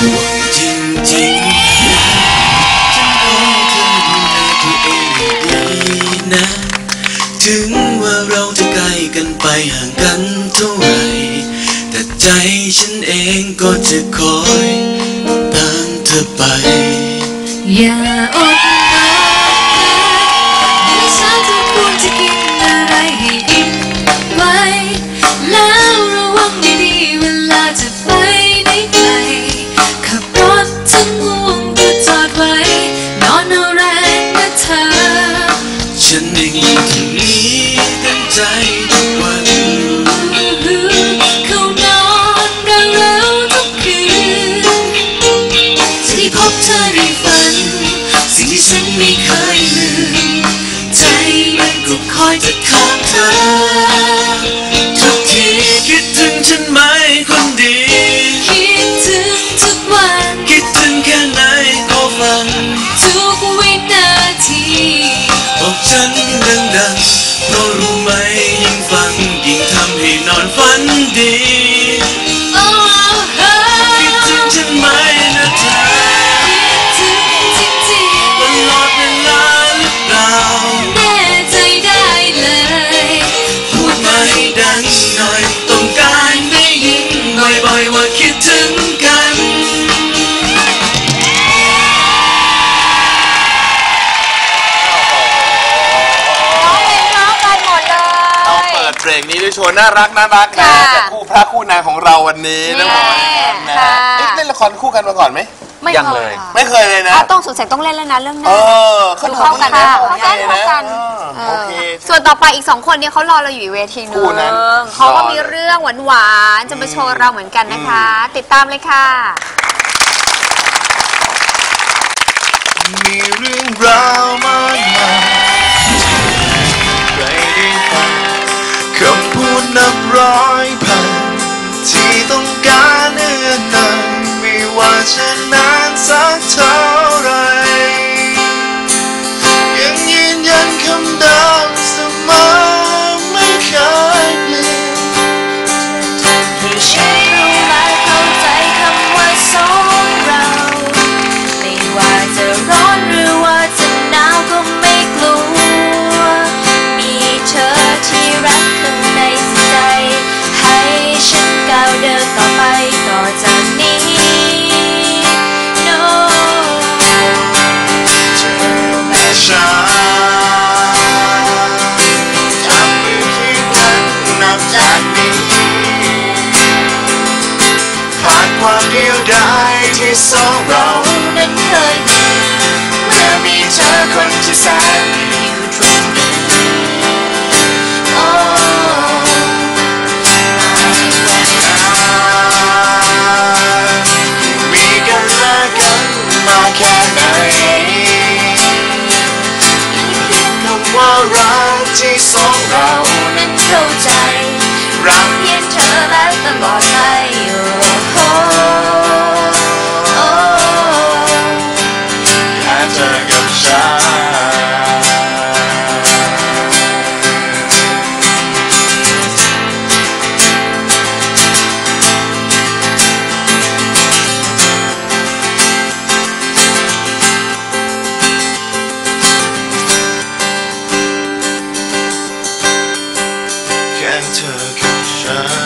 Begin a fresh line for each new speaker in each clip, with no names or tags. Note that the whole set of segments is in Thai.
ห่วงจริงๆฉันคงเคยดูแลตัวเองให้ดีนะถึงว่าเราจะใกล้กันไปห่างกันเท่าไหร่แต่ใจฉันเองก็จะคอยตามเธอไป
อย่าอดนอนให้ฉันจะควรจะกินอะไรให้อิ่มไว้แล้วระวังดีๆเวลาจะไปไหนไกลขับรถถึงห่วงก็จอดไว้นอนเอาแรงนะเธอ
ฉันเองอยู่ที่นี้เต็มใจทุกวัน
เขานอนเราทุกคืนจะได้พบเธอในฝันสิ่งที่ฉันไม่เคยลืมใจมันก็คอยจะถามเธอ
ทุกทีคิดถึงฉันไหมคนดี
คิดถึงทุกวัน
คิดถึงแค่ไหนก็ฟัง
ทุกวินาที
บอกฉันดังๆเพราะรู้ไหมยิ่งฟังยิ่งทำให้นอนฝันดีคิดถึงฉันไหมนะเธอ
คิดถึงจริงๆ
ตลอดเวลาหรือเปล่า
แน่ใจได้เลย
พูดมาให้ดังหน่อยต้องการได้ยินบ่อยๆว่าคิดถึงกัน
เพลงนี้ด้วยโชว์น่ารักนะจากคู่พระคู่นางของเราวันนี้นะพ่อนะเล่นละครคู่กันมาก่อนไหม
ยังเลย
ไม่เคยเลยนะ
ต้องสงสัยต้องเล่นแล้วนะเรื่องนี้
เขา
เข้ากันนะ
เข้ากันโอเค
ส่วนต่อไปอีก2คนเนี่ยเขารอเราอยู่เวทีนึงเขาก็มีเรื่องหวานๆจะมาโชว์เราเหมือนกันนะคะติดตามเลยค่ะ
มีเรื่องราวมากมายใครได้ฟังคำพูดนับร้อยพันที่ต้องการเอื้อนนานไม่ว่าจะนานสักเท่าไรยังยืนยันคำเดิมเสมอไม่เคยเปลี่ยน
ให้ฉันรู้และเข้าใจคำว่าสองเราไม่ว่าจะร้อนหรือว่าจะหนาวก็ไม่กลัวมีเธอที่รักข้างในจิตใจให้ฉันก้าวเดินต่อไปต่อจากนี้ No
เธอและฉันทำมือที่กันนับจากนี้ผ่านความเดียวดายที่สองเรา
นั้นเคยมี
เมื่อมีเธอคนที่แสนดีอยู่ตรงนี้มีกันและกันมาแค่ไหนเพียงคำว่ารักที่สองเรา
นั้นเข้าใจ
รัก
เพียงเธอและตลอดไป
แค่เธอกับฉันแค่เธอกับฉัน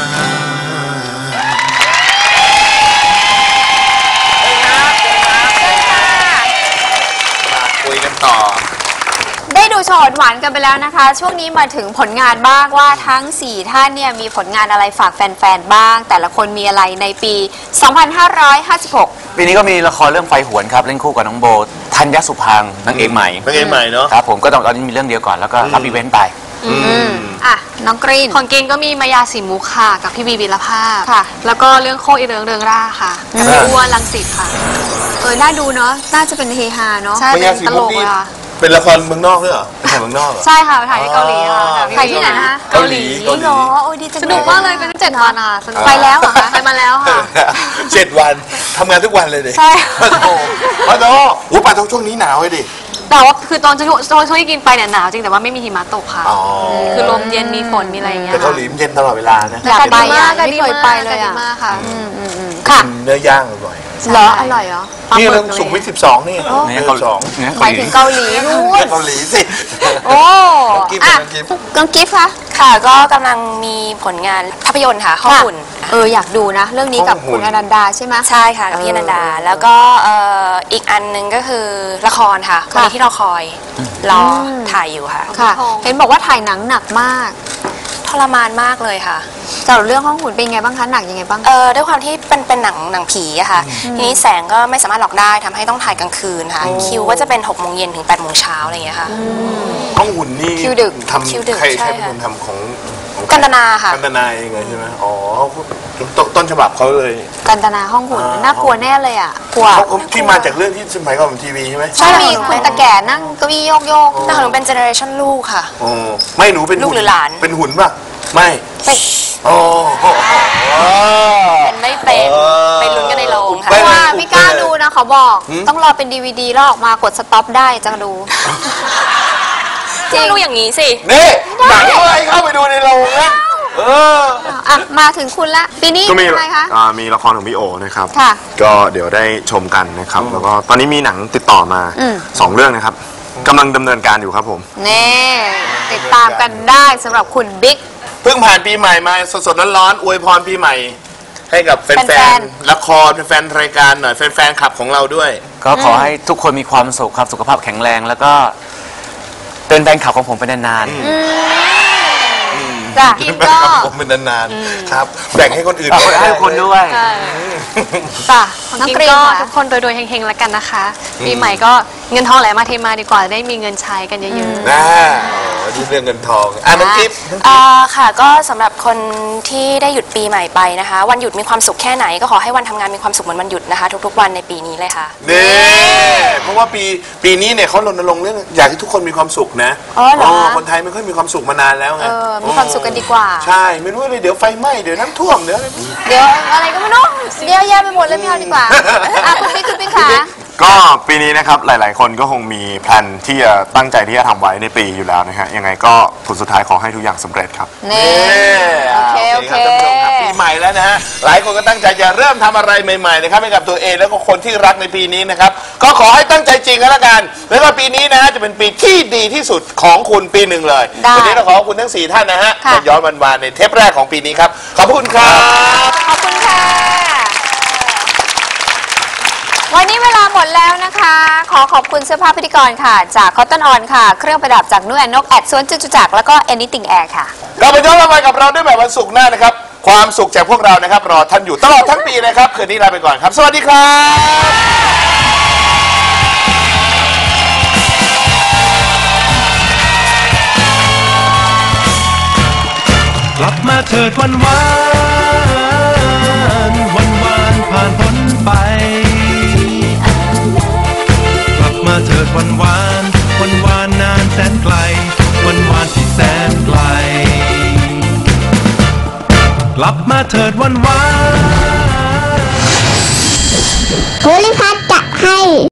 คุยกันต่อ
ได้ดูโชว์หวานกันไปแล้วนะคะช่วงนี้มาถึงผลงานบ้างว่าทั้ง4ท่านเนี่ยมีผลงานอะไรฝากแฟนๆบ้างแต่ละคนมีอะไรในปี 2556
ปีนี้ก็มีละครเรื่องไฟหวนครับเล่นคู่กับน้องโบธัญญสุพังค์นางเอกใหม่
เนาะ
ครับผมก็ตอนนี้มีเรื่องเดียวก่อนแล้วก็รับอีเวนต์ไป
น้องกรีน
ของกรีนก็มีมายาสีมุกค่ะกับพี่บีบีละภาพ
ค่ะ
แล้วก็เรื่องโคอีเริงเริงร่าค่ะกับพี่อ้วนรังสิตค่ะ
น่าดูเนาะน่าจะเป็นเฮฮาเนาะ
ใช่เป็นตลกค่ะ
เป็นละครเมืองนอกด้วยเหรอเป็นถ่ายเมืองนอกเหรอ
ใช่ค่ะถ่ายที่เกาหลีค่ะ
ถ่ายที่ไหนนะคะ
เกาหลี
เหรอโอ้ยดีจัง
สนุกมากเลยเป็น7 วันอ่ะ
ไปแล้วเหรอคะ
ไปมาแล้วค่ะ
7 วันทำงานทุกวันเลยดิ
ใช่
โอ้โหไปช่วงนี้หนาวเลยดิ
แต่ว่าคือตอนช่วงที่กินไปเนี่ยหนาวจริงแต่ว่าไม่มีหิมะตกค่ะคือลมเย็นมีฝนมีอะไรอย่างเงี้ย
แต่เกาหลีเย็นตลอดเวลานะ
อยากไปไม่เคยไปเลยอ่ะ
ค่ะ
ค่ะ
เนื้อย่างอร่อย
เหรออร่อยเหรอ
นี่เรื่องสุขุมวิท12 นี่
เนี่ยเกาหลีเนี่ย
หมายถึงเกาหลีนู่น
เกาหลีสิ
โอ้
กิฟต์
อ่ะ
กิฟต์
กังกิฟต์คะ
ค่ะก็กำลังมีผลงานภาพยนตร์ค่ะห้องหุ่น
อยากดูนะ เรื่องนี้กับคุณอนันดาใช่ไหม
ใช่ค่ะกับพี่อนันดา แล้วก็อีกอันหนึงก็คือละครค่ะวันนี้ที่เราคอยรอถ่ายอยู่ค่ะ
ค่ะ เห็นบอกว่าถ่ายหนังหนักมาก
ทรมานมากเลยค่ะ
แต่เรื่องห้องหุ่นเป็นไงบ้างคะหนักยังไงบ้าง
ด้วยความที่เป็นหนังผีอะค่ะ ทีนี้แสงก็ไม่สามารถหลอกได้ทำให้ต้องถ่ายกลางคืนค่ะ คิวก็จะเป็น6 โมงเย็นถึง8 โมงเช้าอะไรอย่างเงี้ยค่ะ
ห้องหุ่นนี่
คิวดึก
ทำ
คิวดึก
ใคร
ใช่
เป็น
ค่ะ
คนทำของ
กันตนาค่ะ
กันตนาเองเลยใช่ไหมอ๋อต้นฉบับเขาเลย
กันตนาห้องหุ่นน่ากลัวแน่เลยอ่ะกลัว
เขาที่มาจากเรื่องที่สมัยก่อนทีวีใช่ไหม
ใช่มีคุณตะแก่นั่งเก้าอี้โยกโยก
แต่ของหนูเป็นเจเนอเรชันลูกค่ะ
อ๋อไม่หนูเป็น
ลูกหรือหลาน
เป็นหุ่นป่ะไม่
ไม่
อ๋อ
เป็นไม่เป็นไปลุ้นกันในโรงค่ะ
ไม่
ว่าไม่กล้าดูนะเขาบอก ต้องรอเป็นดีวดีแล้วออกมากดสต็อปได้จะดู
ก็รู้อย่างนี้สิ
นี่หนังอะไรเข้าไปดูในโรงนะ
อ่ะมาถึงคุณละปีนี้
ก็มี
อะไรคะ
มีละครของพี่โอนะครับ
ค่ะ
ก็เดี๋ยวได้ชมกันนะครับ แล้วก็ตอนนี้มีหนังติดต่อมา 2 เรื่องนะครับกำลังดำเนินการอยู่ครับผม
นี่ติดตามกันได้สำหรับคุณบิ๊ก
เพิ่งผ่านปีใหม่มาสดๆร้อนๆอวยพรปีใหม่ ให้กับแฟ
แฟ
น
น
ๆละครแฟนๆรายการหน่อยแฟนๆขับของเราด้วย
ก็ขอให้ทุกคนมีความสุขครับสุขภาพแข็งแรง แล้วก็เป็นแฟนคลับของผมเป็นนานๆ
จ้ะก็
ผมเป็นนานๆครับแบ่งให้คนอื่น
ให้คนด้วย
จ้ะ
ของ
น้อง
กิน
กรีน
ก็
ค่ะ
ทุกคนโดยเฮงๆแล้วกันนะคะ ปีใหม่ก็เงินทองไหลมาเทมาดีกว่าได้มีเงินใช้กันเยอะๆ
นะดูเรื่องเงินทองน้องกิฟต์
ค่ะก็สำหรับคนที่ได้หยุดปีใหม่ไปนะคะ วันหยุดมีความสุขแค่ไหนก็ขอให้วันทำงานมีความสุขเหมือนวันหยุดนะคะ ทุกๆวันในปีนี้เลยค่ะ
เพราะว่าปีนี้เนี่ยเขารณรงค์เรื่องอยากให้ทุกคนมีความสุขนะ
อ๋อเหรอ
คนไทยไม่ค่อยมีความสุขมานานแล้วไง
มีความสุขกันดีกว่า
ใช่ไม่รู้เลยเดี๋ยวไฟไหม้เดี๋ยวน้ำท่วมเดี๋ยวอะไร
เดี๋ยวอะไรก็ไม่รู้เดี๋ยวแย่ไปหมดเลยไม่เอาดีกว่าคุณบิ๊กค่ะ
ก็ปีนี้นะครับหลายๆ คนก็คงมีแพลนที่จะตั้งใจที่จะทำไว้ในปีอยู่แล้วนะฮะยังไงก็ผลสุดท้ายขอให้ทุกอย่างสำเร็จครับ
นี่โอเค
ครับท่านผู้ชมครับปีใหม่แล้วนะฮะหลายคนก็ตั้งใจจะเริ่มทำอะไรใหม่ๆนะครับให้กับตัวเองแล้วก็คนที่รักในปีนี้นะครับก็ขอให้ตั้งใจจริงกันละกันแล้วก็ปีนี้นะฮะจะเป็นปีที่ดีที่สุดของคุณปีหนึ่งเลย
ได้
วันนี้เราขอบคุณทั้ง4ท่านนะฮะ
ค่ะ
มาย้อนวันๆในเทปแรกของปีนี้ครับขอบคุณครับ
ขอบคุณค่ะ วันนี้เวลาหมดแล้วนะคะ ขอบคุณเสื้อผ้าพิธีกรค่ะ จาก Cotton On ค่ะ เครื่องประดับจากนุ่นนกแอดสวนจตุจักรแล้วก็ Anything Air ค่ะ
กลับมาย้อนวันกับเราได้ใหม่วันศุกร์หน้านะครับความสุขจากพวกเรานะครับรอท่านอยู่ตลอดทั้งปีนะครับคืนนี้ลาไปก่อนครับสวัสดีครับ
กลับมาเถิดวันวานวันวานผ่านพ้นไปกลับมาเถิดวันวานวันวานนานแสนไกลวันวานที่แสนไกลกลับมาเถิดวันวาน
โพลิพัทจะให้